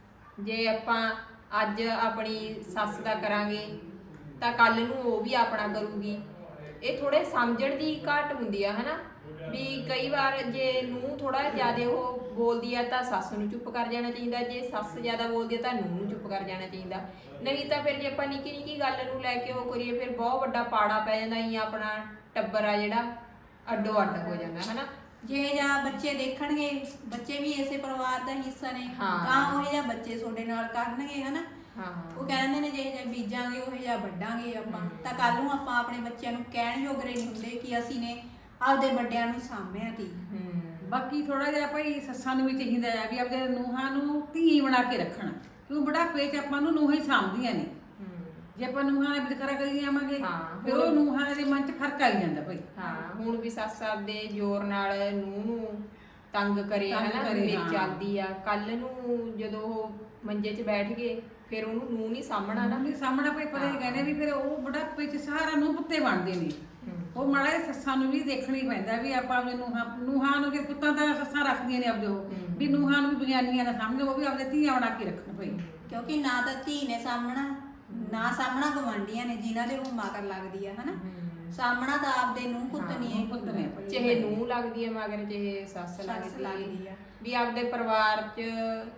S2: ਜੇ ਆਪਾਂ ਅੱਜ ਆਪਣੀ ਸੱਸ ਦਾ ਕਰਾਂਗੇ ਤਾਂ ਕੱਲ ਨੂੰ ਉਹ ਵੀ ਆਪਣਾ ਕਰੂਗੀ। ਇਹ ਥੋੜੇ ਸਮਝਣ ਦੀ ਘਾਟ ਹੁੰਦੀ ਆ ਹਨਾ, ਵੀ ਕਈ ਵਾਰ ਜੇ ਨੂੰਹ ਥੋੜਾ ਜ਼ਿਆਦਾ ਉਹ ਬੋਲਦੀ ਆ ਤਾਂ ਸੱਸ ਨੂੰ ਚੁੱਪ ਕਰ ਜਾਣਾ ਚਾਹੀਦਾ, ਜੇ ਸੱਸ ਜ਼ਿਆਦਾ ਬੋਲਦੀ ਆ ਤਾਂ ਨੂੰਹ ਨੂੰ ਚੁੱਪ ਕਰ ਜਾਣਾ ਚਾਹੀਦਾ। ਨਹੀਂ ਤਾਂ ਫਿਰ ਜੇ ਆਪਾਂ ਨਿੱਕੀ ਨਿੱਕੀ ਗੱਲ ਨੂੰ ਲੈ ਕੇ ਉਹ ਕਰੀਏ ਫਿਰ ਬਹੁਤ ਵੱਡਾ ਪਾੜਾ ਪੈ ਜਾਂਦਾ ਹੀ, ਆਪਣਾ ਟੱਬਰ ਆ ਜਿਹੜਾ ਅੱਡੋ ਅੱਡ ਹੋ ਜਾਂਦਾ ਹਨਾ।
S3: ਜੇ ਜਾਂ ਬੱਚੇ ਦੇਖਣਗੇ, ਬੱਚੇ ਵੀ ਇਸੇ ਪਰਿਵਾਰ ਦਾ ਹਿੱਸਾ ਨੇ,
S2: ਹਾਂ।
S3: ਤਾਂ ਉਹ ਜਾਂ ਬੱਚੇ ਤੁਹਾਡੇ ਨਾਲ ਕਰਨਗੇ ਹਨਾ।
S2: ਹਾਂ
S3: ਉਹ ਕਹਿੰਦੇ ਨੇ ਜੇ ਬੀਜਾਂਗੇ ਉਹ ਜਾਂ ਵੱਢਾਂਗੇ ਆਪਾਂ, ਤਾਂ ਕੱਲ ਨੂੰ ਆਪਾਂ ਆਪਣੇ ਬੱਚਿਆਂ ਨੂੰ ਕਹਿਣ ਯੋਗਰੇ ਨਹੀਂ ਹੁੰਦੇ ਕਿ ਅਸੀਂ ਨੇ ਆਪਦੇ ਵੱਡਿਆਂ ਨੂੰ ਸਾਂਭਿਆ ਤੀ।
S1: ਬਾਕੀ ਥੋੜਾ ਜਿਹਾ ਭਾਈ ਸੱਸਾਂ ਨੂੰ ਵੀ ਚਾਹੀਦਾ ਆ ਵੀ ਆਪਦੇ ਨੂੰਹਾਂ ਨੂੰ ਧੀ ਬਣਾ ਕੇ ਰੱਖਣਾ, ਕਿਉਂ ਬੁਢਾਪੇ 'ਚ ਆਪਾਂ ਨੂੰ ਨੂੰਹਾਂ ਹੀ ਸਾਂਭਦੀਆਂ ਨੇ। ਜੇ ਆਪਾਂ ਨੂੰਹਾਂ ਨਾਲ ਵਿਤਕਰਾ ਕਰੀ ਜਾਵਾਂਗੇ
S2: ਹਾਂ,
S1: ਫਿਰ ਉਹ ਨੂੰਹਾਂ ਦੇ ਮਨ 'ਚ ਫਰਕ ਆਈ ਜਾਂਦਾ ਭਾਈ।
S2: ਹਾਂ ਹੁਣ ਵੀ ਸੱਸ ਆਪਦੇ ਜ਼ੋਰ ਨਾਲ ਨੂੰਹ ਨੂੰ ਤੰਗ ਕਰੇ
S1: ਤੰਗ
S2: ਹਨਾ,
S1: ਕਰੇ,
S2: ਮੇਰੀ
S1: ਹਾਂ।
S2: ਚੱਲਦੀ ਆ। ਕੱਲ ਨੂੰ ਜਦੋਂ ਉਹ ਮੰਜੇ 'ਚ ਬੈਠ ਗਏ ਫਿਰ ਉਹਨੂੰ ਨੂੰਹ ਨਹੀਂ ਸਾਂਭਣਾ ਨਾ।
S1: ਨਹੀਂ ਸਾਹਮਣਾ ਭਾਈ ਪਤਾ ਹੀ ਕਹਿੰਦੇ ਵੀ ਫਿਰ ਉਹ ਬੁਢਾਪੇ 'ਚ ਸਹਾਰਾ ਨੂੰ ਪੁੱਤੇ ਬਣਦੇ ਨੇ। ਉਹ ਮਾੜਾ ਜਿਹਾ ਸੱਸਾਂ ਨੂੰ ਵੀ ਦੇਖਣਾ ਹੀ ਪੈਂਦਾ ਵੀ ਆਪਾਂ ਆਪਣੇ ਨੂੰਹਾਂ ਨੂੰ ਕਿ ਪੁੱਤਾਂ ਦਾ ਸੱਸਾਂ ਰੱਖਦੀਆਂ ਨੇ ਆਪਦੇ, ਉਹ ਵੀ ਨੂੰਹਾਂ ਨੂੰ ਵੀ ਬਗਾਨੀਆਂ ਨਾ ਸਮਝੋ, ਉਹ ਵੀ ਆਪਦੇ ਧੀਆਂ ਬਣਾ ਕੇ ਰੱਖਣ ਭਾਈ।
S3: ਕਿਉਂਕਿ ਨਾ ਤਾਂ ਧੀ ਨੇ ਸਾਹਮਣਾ, ਨਾ ਸਾਹਮਣਾ ਗਵਾਂਢੀਆਂ ਨੇ ਜਿਨ੍ਹਾਂ ਦੇ ਉਹ ਮਾਕਰ ਲੱਗਦੀ ਆ ਹਨਾ। ਸਾਹਮਣਾ ਤਾਂ ਆਪਦੇ ਨੂੰ ਪੁੱਤ ਨਹੀਂ ਹੈ,
S1: ਪੁੱਤ ਨੇ ਭਾਈ।
S2: ਚਾਹੇ ਨੂੰਹ ਲੱਗਦੀ ਹੈ ਮਗਰ ਚਾਹੇ ਸੱਸ
S3: ਸੱਸ ਲੱਗਦੀ ਆ।
S2: ਵੀ ਆਪਦੇ ਪਰਿਵਾਰ 'ਚ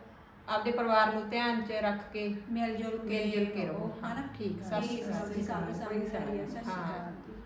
S2: ਆਪਦੇ ਪਰਿਵਾਰ ਨੂੰ ਧਿਆਨ 'ਚ ਰੱਖ ਕੇ
S3: ਮਿਲ ਜੁਲ
S2: ਮਿਲ ਜੁਲ ਕੇ ਰਹੋ
S3: ਹਨਾ।
S2: ਠੀਕ।
S3: ਸਤਿ ਸ਼੍ਰੀ ਅਕਾਲ।
S2: ਹਾਂ।